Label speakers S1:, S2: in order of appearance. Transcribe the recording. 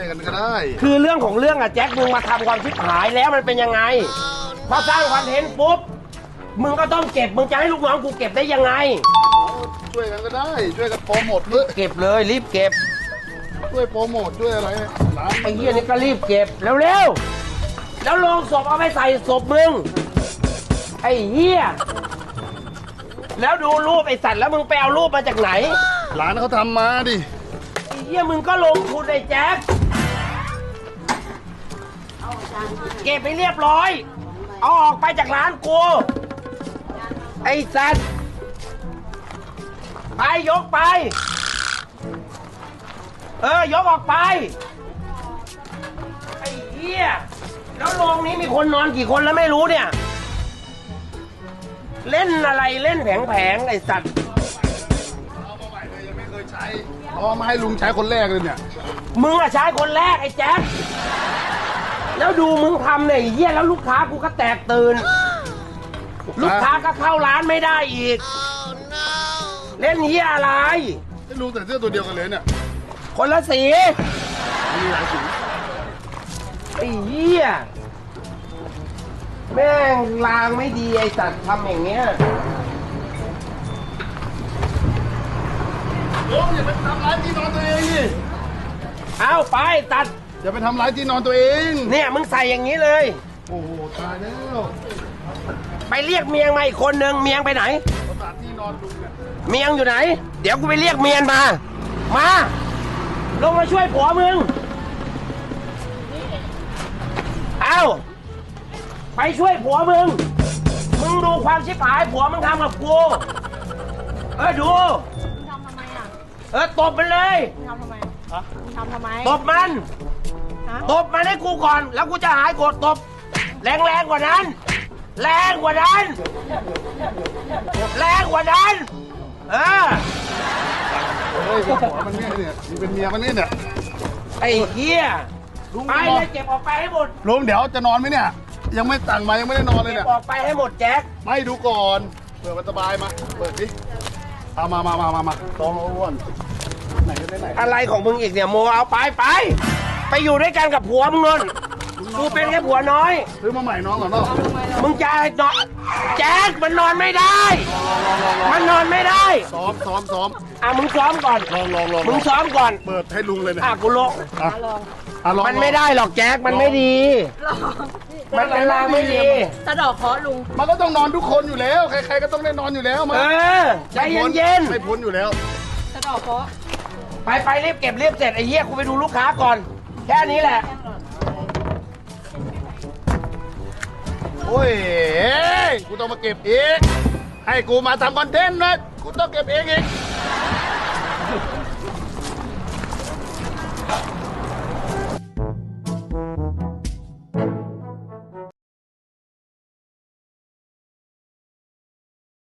S1: วยกันก็ได้
S2: คือเรื่องของเรื่องอะแจ็คมึงมาทำความชิบหายแล้วมันเป็นยังไงพอสร้างคอนเทนต์ปุ๊บมึงก็ต้องเก็บมึงจะให้ลูกน้องกูเก็บได้ยังไง
S1: ช่วยกันก็ได้ช่วยกันโปรโมทด้วย
S2: เก็บเลยรีบเก็บ
S1: ช่วยโปรโมทด้วยอะไรร้าน
S2: ไอ้เหี้ยนี่ก็รีบเก็บเร็วๆแล้วโลงศพเอาไปใส่ศพมึงไอ้เหี้ยแล้วดูรูปไอ้สัตว์แล้วมึงไปเอารูปมาจากไหน
S1: ร้านเขาทำมาดิ
S2: ไอ้เหี้ยมึงก็ลงทุนไอ้แจ๊คเก็บไปเรียบร้อยเอาออกไปจากร้านกูไอ้สัตว์ไปยกไปยกออกไปไอ้เหี้ยแล้วโรงนี้มีคนนอนกี่คนแล้วไม่รู้เนี่ยเล่นอะไรเล่นแผงๆไอ้สัตว์
S1: เอามาใหม่เลยยังไม่เคยใช้เอามาให้ลุงใช้คนแรกเลยเนี่ย
S2: มึงอะใช้คนแรกไอ้แจ๊คแล้วดูมึงทำเนี่ยไอ้เหี้ยแล้วลูกค้ากูก็แตกตื่นลูกค้าก็เข้าร้านไม่ได้อีกเล่นเหี้ยอะไร
S1: ให้ลุงใส่เสื้อตัวเดียวกันเลยเนี่ย
S2: คนละสี
S1: มีหลายสี
S2: ไอ้เหี้ยแม่งลางไม่ดีไอ้สัตว์ทำอย่างเงี้ย
S1: ลุงอย่าไปทำร้ายที่นอนตัวเองดิ
S2: เอาไปตัด
S1: อย่าไปทำร้ายที่นอนตัวเอง
S2: เนี่ยมึงใส่อย่างนี้เลย
S1: โอ้โหตายแล้ว
S2: ไปเรียกเมียงมาอีกคนนึงเมียงไปไหน
S1: ประสาทที่นอนลุงเนี่ย
S2: เมียงอยู่ไหน เดี๋ยวกูไปเรียกเมียนมาลงมาช่วยผัวมึงเอาไปช่วยผัวมึงดูความชิบหายผัวมึงทำกับกูดู
S3: มึงทำทำไมอ่ะ
S2: ตบมันเลย
S3: มึงทำทำไมมึงทำทำไม
S2: ตบมัน
S3: ฮะ
S2: ตบมันให้กูก่อน แล้วกูจะหายโกรธตบแรงกว่านั้น แรงกว่านั้นเออ
S1: เฮ้ยเป็นผัวมันเนี่ยนี่เป็นเมียมันเนี่ย
S2: ไอ้เหี้ย
S1: ลุง
S2: ไปเลยเก็บออกไปให้หมด
S1: ลุงเดี๋ยวจะนอนไหมเนี่ย ยังไม่สั่งมายังไม่ได้นอนเลย
S2: เก็
S1: เนี่ย
S2: บออกไปให้หมดแจ็ค
S1: ไม่ดูก่อนเปิดมันสบายมาเปิดดิเอามาตองอ้วนไหนก็ได้ไหน
S2: อะไรของมึงอีกเนี่ยโมเอาไปอยู่ด้วยกันกับผัวมึงนนกูเป็นแค่ผัวน้อย
S1: ซื้อมาใหม่น้องก่อนเนาะ
S2: มึงจะนอนแจ็คมันนอนไม่ได้ มันนอนไม่ได้
S1: ซ้อม
S2: มึงซ้อมก่อน
S1: ลอง
S2: มึงซ้อมก่อน
S1: เปิดให้ลุงเลยเนี่ย
S2: กูลง
S1: อ่ะ
S3: ลอง
S1: ลอง
S2: มันไม่ได้หรอกแจ็คมันไม่ดี
S3: ลอง
S2: มันเป็นลางไม่ดี
S3: สะดอกเคราะห์ลุง
S1: มันก็ต้องนอนทุกคนอยู่แล้ว ใครๆก็ต้องได้นอนอยู่แล้วมา
S2: ใจเย็น
S1: ไม่พ้นอยู่แล้ว
S3: สะดอกเคราะห์
S2: ๆไปรีบเก็บรีบเสร็จไอ้เหี้ยกูไปดูลูกค้าก่อน แค่นี้แหละ
S1: โอ้ยกูต้องมาเก็บอีกให้กูมาทำคอนเทนต์นะกูต้องเก็บเองอีก